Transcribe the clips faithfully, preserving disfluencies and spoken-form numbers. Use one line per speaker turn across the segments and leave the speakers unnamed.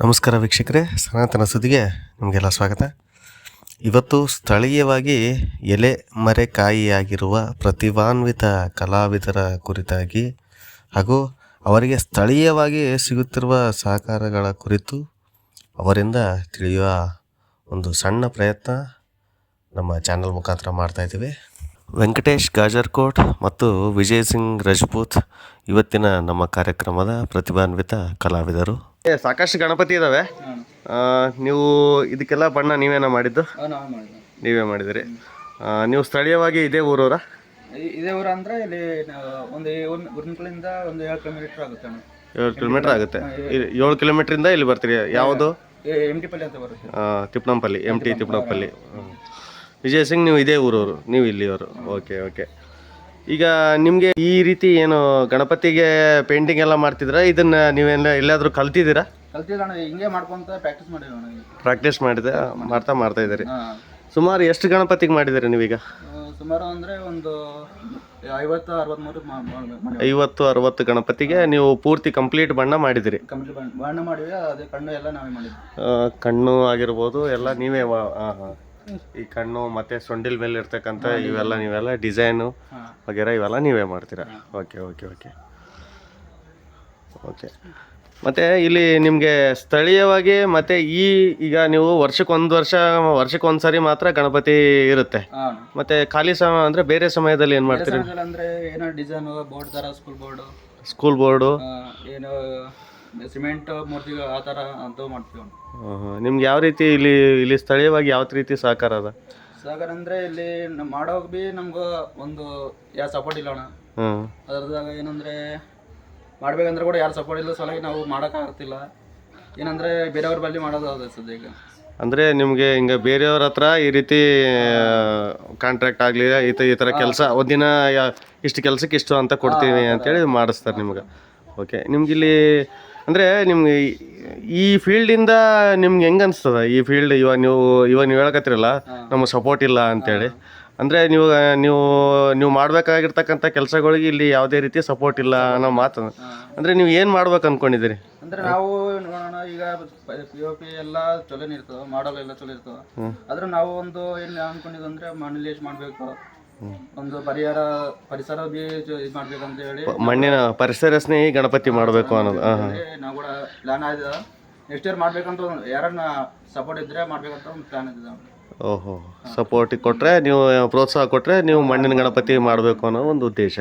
ನಮಸ್ಕಾರ ವೀಕ್ಷಕರೇ, ಸನಾತನ ಸುದ್ದಿಗೆ ನಿಮಗೆಲ್ಲ ಸ್ವಾಗತ. ಇವತ್ತು ಸ್ಥಳೀಯವಾಗಿ ಎಲೆ ಮರೆಕಾಯಿಯಾಗಿರುವ ಪ್ರತಿಭಾನ್ವಿತ ಕಲಾವಿದರ ಕುರಿತಾಗಿ ಹಾಗೂ ಅವರಿಗೆ ಸ್ಥಳೀಯವಾಗಿ ಸಿಗುತ್ತಿರುವ ಸಹಕಾರಗಳ ಕುರಿತು ಅವರಿಂದ ತಿಳಿಯುವ ಒಂದು ಸಣ್ಣ ಪ್ರಯತ್ನ ನಮ್ಮ ಚಾನಲ್ ಮುಖಾಂತರ ಮಾಡ್ತಾಯಿದ್ದೀವಿ. ವೆಂಕಟೇಶ್ ಗಾಜರ್ಕೋಟ್ ಮತ್ತು ವಿಜಯ್ ಸಿಂಗ್ ರಜಪೂತ್ ಇವತ್ತಿನ ನಮ್ಮ ಕಾರ್ಯಕ್ರಮದ ಪ್ರತಿಭಾನ್ವಿತ ಕಲಾವಿದರು. ಸಾಕಷ್ಟು ಗಣಪತಿ ಇದ್ದಾವೆ. ನೀವು ಇದಕ್ಕೆಲ್ಲ ಬಣ್ಣ ನೀವೇನ ಮಾಡಿದ್ದು? ನೀವೇ ಮಾಡಿದಿರಿ. ನೀವು ಸ್ಥಳೀಯವಾಗಿ ಇದೇ ಊರವರ?
ಇದೇ ಊರ ಅಂದರೆ ಇಲ್ಲಿ ಒಂದು ಗುರುಮುಖಲಿಂದ ಒಂದು ಏಳು ಕಿಲೋಮೀಟರ್ ಆಗುತ್ತೆ.
ಏಳು ಕಿಲೋಮೀಟರ್ ಆಗುತ್ತೆ. ಏಳು ಕಿಲೋಮೀಟ್ರಿಂದ ಇಲ್ಲಿ ಬರ್ತೀರಿ. ಯಾವುದು?
ಎಮ್ ಟಿ ಪಲ್ಲಿ ಅಂತ ಬರುತ್ತೆ.
Tippanampalli, M T Tippanampalli. ವಿಜಯ್ ಸಿಂಗ್, ನೀವು ಇದೇ ಊರವರು, ನೀವು ಇಲ್ಲಿಯವರು. ಓಕೆ ಓಕೆ ಈಗ ನಿಮಗೆ ಈ ರೀತಿ ಏನು ಗಣಪತಿಗೆ ಪೇಂಟಿಂಗ್ ಎಲ್ಲ ಮಾಡ್ತಿದ್ರ, ಇದನ್ನ ನೀವೆಲ್ಲ ಎಲ್ಲಾದರೂ ಕಲ್ತಿದ್ದೀರಾ?
ಕಲ್ತಿಲ್ಲ, ಹಿಂಗೆ ಮಾಡ್ಕೊಂತ ಪ್ರಾಕ್ಟೀಸ್ ಮಾಡಿದ್ವಿ.
ಪ್ರಾಕ್ಟೀಸ್ ಮಾಡಿದೆ ಮಾಡ್ತಾ ಮಾಡ್ತಾ ಇದ್ದೀರಿ. ಸುಮಾರು ಎಷ್ಟು ಗಣಪತಿಗೆ ಮಾಡಿದ್ದೀರಿ ನೀವೀಗ?
ಸುಮಾರು ಅಂದರೆ ಒಂದು ಐವತ್ತು ಅರವತ್ತ್ಮೂರು
ಐವತ್ತು ಅರವತ್ತು ಗಣಪತಿಗೆ ನೀವು ಪೂರ್ತಿ ಕಂಪ್ಲೀಟ್ ಬಣ್ಣ ಮಾಡಿದಿರಿ?
ಕಂಪ್ಲೀಟ್ ಬಣ್ಣ ಮಾಡಿದ್ವಿ. ಅದೇ ಕಣ್ಣು ಎಲ್ಲ ನಾವೇ ಮಾಡಿದ್ವಿ.
ಕಣ್ಣು ಆಗಿರ್ಬೋದು ಎಲ್ಲ ನೀವೇ. ಹಾಂ ಹಾಂ ಈ ಕಣ್ಣು ಮತ್ತು ಸೊಂಡಿಲ್ ಮೇಲೆ ಇರ್ತಕ್ಕಂಥ ಇವೆಲ್ಲ ನೀವೆಲ್ಲ ಡಿಸೈನು ವಗೇರ ಇವೆಲ್ಲ ನೀವೇ ಮಾಡ್ತೀರಾ? ಓಕೆ ಓಕೆ ಓಕೆ ಓಕೆ ಮತ್ತು ಇಲ್ಲಿ ನಿಮಗೆ ಸ್ಥಳೀಯವಾಗಿ ಮತ್ತು ಈ ಈಗ ನೀವು ವರ್ಷಕ್ಕೆ ಒಂದು ವರ್ಷ ವರ್ಷಕ್ಕೆ ಒಂದು ಸಾರಿ ಮಾತ್ರ ಗಣಪತಿ ಇರುತ್ತೆ. ಮತ್ತು ಖಾಲಿ ಸಮಯ ಅಂದರೆ ಬೇರೆ ಸಮಯದಲ್ಲಿ ಏನು ಮಾಡ್ತೀರಿ?
ಅಂದರೆ ಏನೋ ಡಿಸೈನು ಬೋರ್ಡ್ ಥರ, ಸ್ಕೂಲ್ ಬೋರ್ಡು
ಸ್ಕೂಲ್ ಬೋರ್ಡು
ಏನೋ ಸಿಮೆಂಟ್ ಮೂರ್ತಿ ಆ ಥರ ಅಂತೂ ಮಾಡ್ತೀವಿ.
ನಿಮ್ಗೆ ಯಾವ ರೀತಿ ಇಲ್ಲಿ ಇಲ್ಲಿ ಸ್ಥಳೀಯವಾಗಿ ಯಾವ ರೀತಿ ಸಹಕಾರ ಅದ?
ಸಹಕಾರ ಅಂದರೆ ಇಲ್ಲಿ ನಮ್ಮ ಮಾಡೋಕೆ ಭೀ ನಮ್ಗೆ ಒಂದು ಯಾರು ಸಪೋರ್ಟ್ ಇಲ್ಲ ಅಣ್ಣ. ಅದ್ರದಾಗ ಏನಂದರೆ ಮಾಡ್ಬೇಕಂದ್ರೆ ಕೂಡ ಯಾರು ಸಪೋರ್ಟ್ ಇಲ್ಲ, ಸಲುವಾಗಿ ನಾವು ಮಾಡೋಕ್ಕಾಗ್ತಿಲ್ಲ. ಏನಂದರೆ ಬೇರೆಯವ್ರ ಬಳಿ ಮಾಡೋದು ಅದು ಸದ್ಯ.
ಅಂದರೆ ನಿಮಗೆ ಹಿಂಗೆ ಬೇರೆಯವ್ರ ಹತ್ರ ಈ ರೀತಿ ಕಾಂಟ್ರಾಕ್ಟ್ ಆಗಲಿ ಈ ಥರ ಈ ಥರ ಕೆಲಸ ಒಂದಿನ ಇಷ್ಟು ಕೆಲಸಕ್ಕೆ ಇಷ್ಟು ಅಂತ ಕೊಡ್ತೀವಿ ಅಂತೇಳಿ ಮಾಡಿಸ್ತಾರೆ ನಿಮ್ಗೆ. ಓಕೆ, ನಿಮ್ಗಿಲ್ಲಿ ಅಂದರೆ ನಿಮ್ಗೆ ಈ ಫೀಲ್ಡಿಂದ ನಿಮ್ಗೆ ಹೆಂಗೆ ಅನಿಸ್ತದ? ಈ ಫೀಲ್ಡ್ ಇವಾಗ ನೀವು ಇವಾಗ ನೀವು ಹೇಳಕತ್ತಿರಲ್ಲ ನಮಗೆ ಸಪೋರ್ಟ್ ಇಲ್ಲ ಅಂತೇಳಿ, ಅಂದರೆ ನೀವು ನೀವು ನೀವು ಮಾಡಬೇಕಾಗಿರ್ತಕ್ಕಂಥ ಕೆಲಸಗಳಿಗೆ ಇಲ್ಲಿ ಯಾವುದೇ ರೀತಿ ಸಪೋರ್ಟ್ ಇಲ್ಲ ಅನ್ನೋ ಮಾತು. ಅಂದರೆ ನೀವು ಏನು ಮಾಡ್ಬೇಕು ಅಂದ್ಕೊಂಡಿದ್ದೀರಿ?
ಅಂದರೆ ನಾವು ನೋಡೋಣ, ಈಗ ಪಿ ಒ ಪಿ ಎಲ್ಲ ಚಲೋನೇ ಇರ್ತವೆ, ಮಾಡೋಲ್ಲ ಎಲ್ಲ ಚಲೋ ಇರ್ತವೆ. ಆದ್ರೆ ನಾವು ಒಂದು ಏನು ಅಂದ್ಕೊಂಡಿದ್ದು ಅಂದರೆ ಮನೇಲಿ ಎಷ್ಟು ಮಾಡಬೇಕು, ಒಂದು ಪರಿಹಾರ ಪರಿಸರ ಬಿ ಇದು ಮಾಡ್ಬೇಕಂತ ಹೇಳಿ
ಮಣ್ಣಿನ ಪರಿಸರ ಸ್ನೇಹಿ ಗಣಪತಿ ಮಾಡಬೇಕು ಅನ್ನೋದು
ನಾವು ಕೂಡ ಪ್ಲಾನ್ ಆಗಿದೆ. ನೆಕ್ಸ್ಟ್ ಇಯರ್ ಮಾಡ್ಬೇಕಂತ ಯಾರನ್ನ ಸಪೋರ್ಟ್ ಇದ್ರೆ ಮಾಡ್ಬೇಕಂತ ಒಂದು ಪ್ಲಾನ್ ಇದೆ.
ಓಹೋ, ಸಪೋರ್ಟ್ ಕೊಟ್ಟರೆ, ನೀವು ಪ್ರೋತ್ಸಾಹ ಕೊಟ್ಟರೆ ನೀವು ಮಣ್ಣಿನ ಗಣಪತಿ ಮಾಡಬೇಕು ಅನ್ನೋ ಒಂದು ಉದ್ದೇಶ.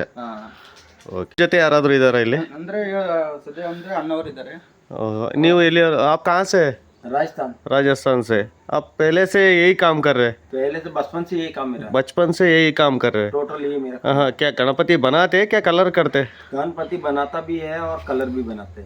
ಓಕೆ, ಜೊತೆ ಯಾರಾದರೂ ಇದ್ದಾರಾ ಇಲ್ಲಿ?
ಅಂದರೆ ಸದ್ಯ ಅಂದರೆ ಅಣ್ಣವರು ಇದ್ದಾರೆ.
ನೀವು ಇಲ್ಲಿ आप कहाँ से?
राजस्थान.
राजस्थान से. आप पहले से यही काम कर रहे?
पहले से बचपन से यही काम मेरा.
बचपन से यही काम कर रहे?
टोटल यही मेरा.
हाँ, क्या गणपति बनाते हैं, क्या कलर करते?
गणपति बनाता भी है और कलर भी बनाते हैं.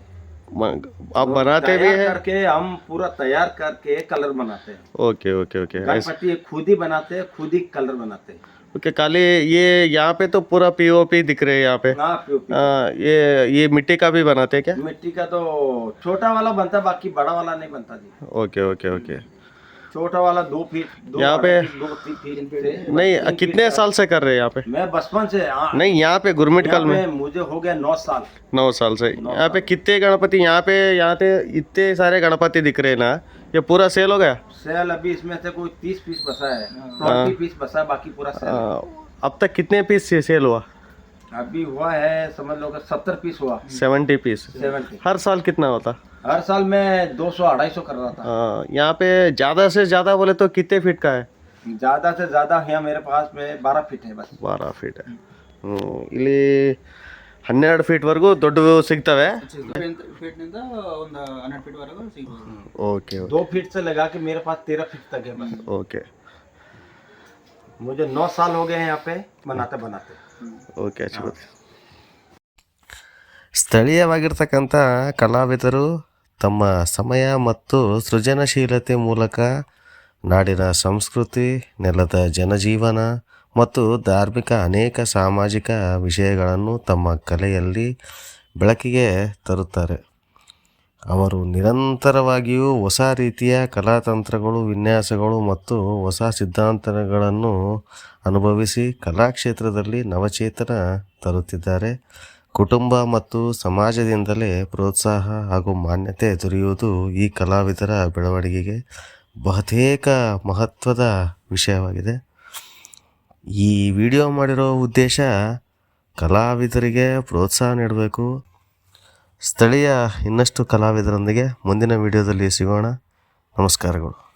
आप बनाते भी हैं?
करके हम पूरा तैयार करके कलर बनाते हैं.
ओके ओके ओके
गणपति खुद ही बनाते हैं, खुद ही कलर बनाते हैं.
ओके, खाली ये यहाँ पे तो पूरा पीओपी दिख रहे हैं यहाँ पे.
हाँ, पीओपी.
ये ये मिट्टी का भी बनाते हैं क्या?
मिट्टी का तो छोटा वाला बनता, बाकी बड़ा वाला नहीं बनता जी.
ओके ओके ओके
छोटा वाला दो फीट
यहाँ पे
दो तीन फीट
नहीं. कितने साल से कर रहे हैं यहाँ पे?
मैं बचपन से.
नहीं, यहाँ पे गुरमिट कल में
मुझे हो गया नौ साल.
नौ साल से यहाँ पे कितने गणपति यहाँ पे यहाँ पे इतने सारे गणपति दिख रहे हैं ना, ये पूरा सेल हो गया?
सेल अभी इसमें से कोई तीस पीस बसा है, ट्वेंटी पीस बसा है, बाकी पूरा सेल.
अब तक कितने पीस से सेल हुआ?
अभी हुआ है समझ लो सत्तर पीस हुआ.
Seventy piece.
सेवेंटी.
हर साल कितना होता?
हर साल मैं दो सौ अढ़ाई सौ कर रहा था.
यहाँ पे ज़्यादा से ज़्यादा बोले तो कितने फीट का है?
ज़्यादा से ज़्यादा यहाँ मेरे पास में बारह फीट है बस.
बारह फीट है. ಇಲ್ಲಿ ಹನ್ನೆರಡು ಫೀಟ್ವರೆಗೂ ದೊಡ್ಡವು ಸಿಗ್ತವೆ.
ಫೀಟ್ನಿಂದ ಒಂದು ಹನ್ನೆರಡು ಫೀಟ್ವರೆಗೂ ಸಿಗ್ಬೋದು.
ಓಕೆ,
दो फीट से लगा के मेरे पास तेरह फीट तक है बस.
ओके,
मुझे नौ साल हो गए हैं यहाँ पे बनाते बनाते.
ಓಕೆ ಅಚ್ಚುಕತೆ. ಸ್ಥಳೀಯವಾಗಿರ್ತಕ್ಕಂಥ ಕಲಾವಿದರು ತಮ್ಮ ಸಮಯ ಮತ್ತು ಸೃಜನಶೀಲತೆ ಮೂಲಕ ನಾಡಿನ ಸಂಸ್ಕೃತಿ, ನೆಲದ ಜನಜೀವನ ಮತ್ತು ಧಾರ್ಮಿಕ ಅನೇಕ ಸಾಮಾಜಿಕ ವಿಷಯಗಳನ್ನು ತಮ್ಮ ಕಲೆಯಲ್ಲಿ ಬೆಳಕಿಗೆ ತರುತ್ತಾರೆ. ಅವರು ನಿರಂತರವಾಗಿಯೂ ಹೊಸ ರೀತಿಯ ಕಲಾತಂತ್ರಗಳು, ವಿನ್ಯಾಸಗಳು ಮತ್ತು ಹೊಸ ಸಿದ್ಧಾಂತಗಳನ್ನು ಅನುಭವಿಸಿ ಕಲಾಕ್ಷೇತ್ರದಲ್ಲಿ ನವಚೇತನ ತರುತ್ತಿದ್ದಾರೆ. ಕುಟುಂಬ ಮತ್ತು ಸಮಾಜದಿಂದಲೇ ಪ್ರೋತ್ಸಾಹ ಹಾಗೂ ಮಾನ್ಯತೆ ದೊರೆಯುವುದು ಈ ಕಲಾವಿದರ ಬೆಳವಣಿಗೆಗೆ ಬಹುತೇಕ ಮಹತ್ವದ ವಿಷಯವಾಗಿದೆ. ಈ ವಿಡಿಯೋ ಮಾಡಿರೋ ಉದ್ದೇಶ ಕಲಾವಿದರಿಗೆ ಪ್ರೋತ್ಸಾಹ ನೀಡಬೇಕು. ಸ್ಥಳೀಯ ಇನ್ನಷ್ಟು ಕಲಾವಿದರೊಂದಿಗೆ ಮುಂದಿನ ವಿಡಿಯೋದಲ್ಲಿ ಸಿಗೋಣ. ನಮಸ್ಕಾರಗಳು.